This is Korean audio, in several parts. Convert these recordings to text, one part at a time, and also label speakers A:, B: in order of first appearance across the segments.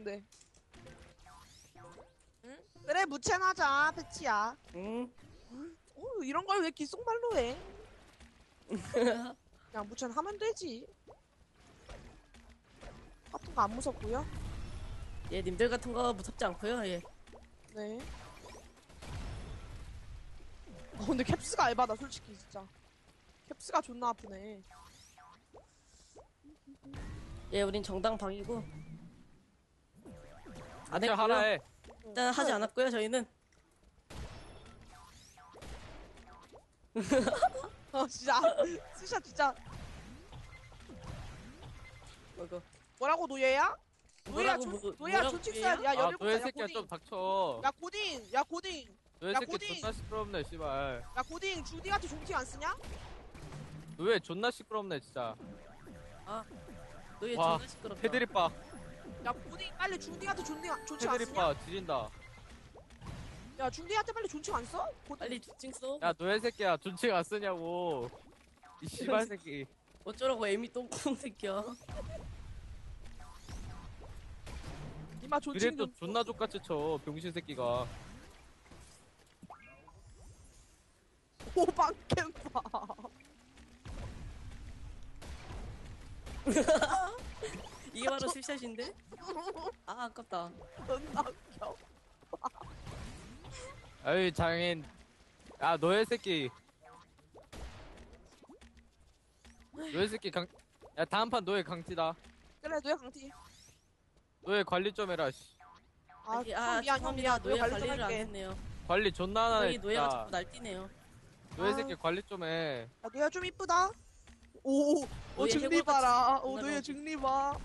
A: 근데. 응? 그래 무첸하자 패치야.
B: 응?
A: 이런 걸 왜 귓속말로 해? 그냥 무첸 하면 되지. 같은 거 안 무섭고요.
B: 예, 님들 같은 거 무섭지 않고요. 예.
A: 네. 근데 캡스가 에바다 솔직히 진짜. 캡스가 존나 아프네.
B: 예, 우린 정당방이고. 안
C: 진짜
B: 했고요.
C: 하라 해.
B: 일단 하지 않았고요. 저희는
A: 진짜 스샷 진짜
B: 이거
A: 뭐라고 노예야? 노예야
B: 뭐라고,
A: 노예야
B: 뭐라고
A: 존칭스야.
B: 노예야?
A: 야
C: 아,
A: 열을
C: 너의
A: 보자. 야
C: 새끼야 좀
A: 고딩.
C: 닥쳐.
A: 야 고딩. 야 고딩.
C: 너의
A: 야,
C: 새끼
A: 고딩.
C: 존나 시끄럽네, 씨발.
A: 야 고딩 중딩한테 존칭 안 쓰냐?
C: 너왜 존나 시끄럽네, 진짜.
B: 아, 너얘
C: 와,
B: 존나 시끄럽다.
C: 테드리빠.
A: 야 고딩 빨리 중딩한테 존칭 안 쓰냐?
C: 테드리빠 지린다.
A: 야 중딩한테 빨리 존칭 안 써? 고딩.
B: 빨리 두칭 써.
C: 야, 너의 새끼야 존칭 안 쓰냐고. 이 씨발 새끼.
B: 어쩌라고 애미 똥구멍 새끼야.
A: 니마 존칭
C: 그래도
A: 좀
C: 존나 족같이 쳐, 병신 새끼가.
A: 호박 캠파.
B: 이게 바로 스샷인데? 아, 아깝다.
A: 존나 웃겨.
C: 아이, 장인. 야, 너의 새끼. 너의 새끼 야, 다음 판 너의 강티다.
A: 그래 노예 강티.
C: 너의 관리 좀 해라, 씨.
A: 아,
B: 아,
A: 미안 형 미안. 노예
B: 노예
A: 관리 좀
B: 관리를 안
A: 할게.
B: 했네요.
C: 관리 존나 안 하네,
B: 저희 노예가 자꾸
C: 진짜.
B: 날뛰네요.
C: 너의
A: 아.
C: 새끼 관리 좀 해.
A: 야 노예 좀 이쁘다. 오
B: 노예
A: 증리
B: 해골같이
A: 봐라. 오
B: 정말
A: 노예
B: 너무-
A: 증리 봐.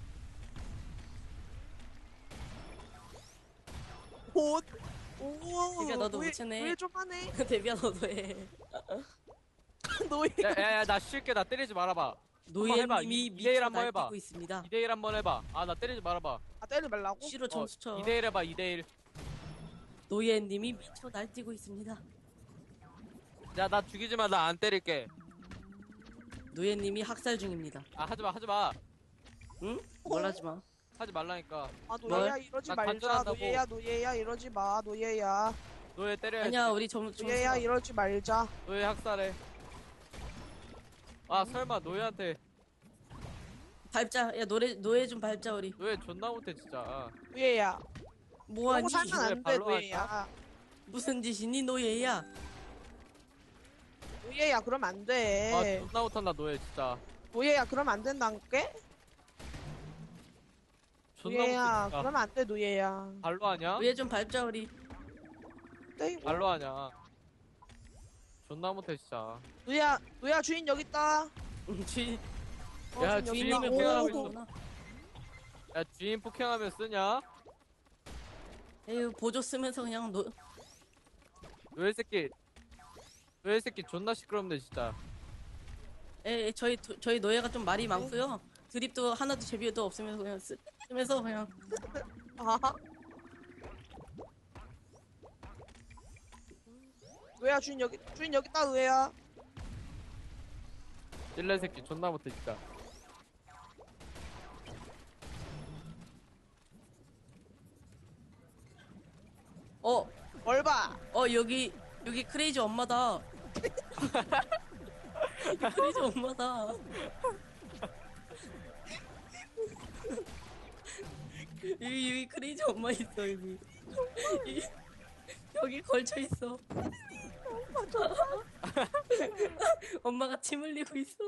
A: 오. 오.
B: 데뷔야, 너도 무채네.
A: 노예 좀 하네.
B: 데뷔야, 너도 해.
A: 노예.
C: 야, 나 쉴게. 나 때리지 말아봐. 해봐.
B: 노예님이
C: 2대1
B: 미쳐
C: 한번 해봐.
B: 날뛰고 있습니다.
C: 2대1 한번 해봐. 아, 나 때리지 말아봐.
A: 아 때리지 말라고?
B: C로 점수 쳐.
C: 2대1 해봐, 2대1.
B: 노예님이 미쳐 날뛰고 있습니다.
C: 야, 나 죽이지 마. 나 안 때릴게.
B: 노예님이 학살 중입니다.
C: 아, 하지 마, 하지 마.
B: 응? 뭘 하지 마.
C: 하지 말라니까.
A: 아 노예야
B: 뭘?
A: 이러지
C: 나
A: 말자.
C: 간절한다고.
A: 노예야 이러지 마. 노예야.
C: 너의 때려야지.
B: 아니야, 우리 점수.
A: 노예야 이러지 말자.
C: 너의 학살해. 아, 설마 너희한테.
B: 밟자. 야, 노예 좀 밟자, 우리.
C: 너희 존나 못해, 진짜.
A: 노예야.
B: 뭐하니?
A: 그러고 살면 안 돼
C: 발로
A: 노예야.
B: 무슨 짓이니, 노예야?
A: 노예야 그러면 안
C: 아,
A: 돼.
C: 존나 못한다, 너희 진짜.
A: 노예야 그러면 안 된다니까?
C: 존나
A: 노예야
C: 못해, 진짜.
A: 그러면 안 돼 노예야.
C: 발로 하냐?
B: 노예 좀 밟자, 우리.
A: 네,
C: 발로 하냐? 존나 못해, 진짜.
A: 노예야 주인 여기 있다.
B: 주인,
C: 야,
A: 주인
C: 주인을
A: 여기 있다.
C: 포기하고
A: 오,
C: 있어. 야, 주인 폭행하면 쓰냐?
B: 에휴, 보조 쓰면서 그냥
C: 너희 새끼. 너희 새끼 존나 시끄럽네, 진짜.
B: 저희 노예가 좀 말이 많고요. 드립도 하나도 제비도 없으면서 그냥 쓰면서 그냥.
A: 아. 노예야 주인 여기 있다 노예야.
C: 찔레 새끼 존나 못해, 진짜.
A: 뭘 봐.
B: 여기 크레이지 엄마다. 여기 크레이지 엄마다. 여기 크레이지 엄마 있어, 여기. 여기 걸쳐 있어. 엄마가 침 흘리고 있어.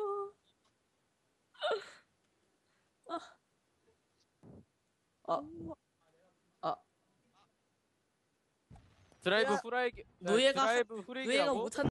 C: 드라이브
A: 야,
C: 후라이기.
B: 노예가
C: 드라이브 후레이기라고?
B: 못한